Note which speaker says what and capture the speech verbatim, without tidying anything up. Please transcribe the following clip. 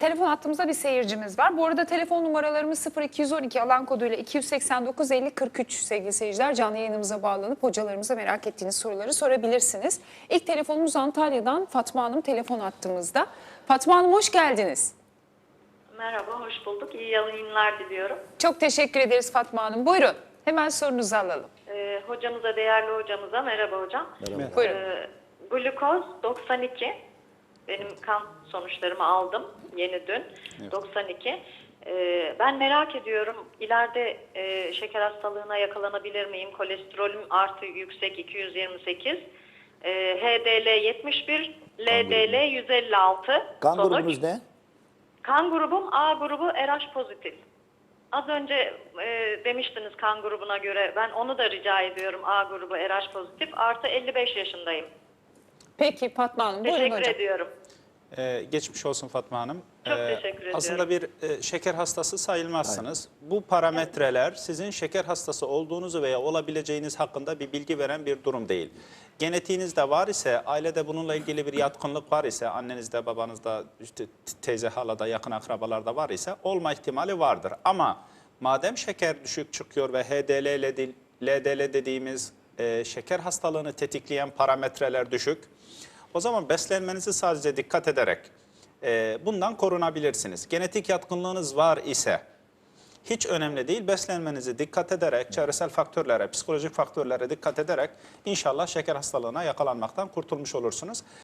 Speaker 1: telefon hattımızda bir seyircimiz var. Bu arada telefon numaralarımız sıfır iki yüz on iki alan koduyla iki yüz seksen dokuz elli kırk üç sevgili seyirciler. Canlı yayınımıza bağlanıp hocalarımıza merak ettiğiniz soruları sorabilirsiniz. İlk telefonumuz Antalya'dan Fatma Hanım telefon hattımızda. Fatma Hanım hoş geldiniz.
Speaker 2: Merhaba, hoş bulduk. İyi yayınlar diliyorum.
Speaker 1: Çok teşekkür ederiz Fatma Hanım. Buyurun hemen sorunuzu alalım.
Speaker 2: Ee, hocamıza, değerli hocamıza merhaba hocam.
Speaker 3: Merhaba.
Speaker 1: Buyurun.
Speaker 2: Ee, glukoz doksan iki. Benim kan sonuçlarımı aldım yeni dün.
Speaker 3: Evet.
Speaker 2: doksan iki. Ee, ben merak ediyorum, ileride e, şeker hastalığına yakalanabilir miyim? Kolesterolüm artı yüksek iki yüz yirmi sekiz. Ee, H D L yetmiş bir, L D L yüz elli altı.
Speaker 3: Kan
Speaker 2: Sonuç.
Speaker 3: grubunuz ne?
Speaker 2: Kan grubum A grubu R H pozitif. Az önce e, demiştiniz kan grubuna göre. Ben onu da rica ediyorum, A grubu R H pozitif. Artı elli beş yaşındayım.
Speaker 1: Peki Fatma Hanım buyurun
Speaker 2: Teşekkür
Speaker 1: hocam.
Speaker 2: ediyorum.
Speaker 4: Ee, geçmiş olsun Fatma Hanım.
Speaker 2: Çok teşekkür ediyorum.
Speaker 4: Aslında bir e, şeker hastası sayılmazsınız. Bu parametreler sizin şeker hastası olduğunuzu veya olabileceğiniz hakkında bir bilgi veren bir durum değil. Genetiğinizde var ise, ailede bununla ilgili bir yatkınlık var ise, annenizde, babanızda, işte teyze, halada, yakın akrabalarda var ise olma ihtimali vardır. Ama madem şeker düşük çıkıyor ve H D L, L D L dediğimiz e, şeker hastalığını tetikleyen parametreler düşük, o zaman beslenmenizi sadece dikkat ederek e, bundan korunabilirsiniz. Genetik yatkınlığınız var ise hiç önemli değil. Beslenmenizi dikkat ederek, çevresel faktörlere, psikolojik faktörlere dikkat ederek inşallah şeker hastalığına yakalanmaktan kurtulmuş olursunuz.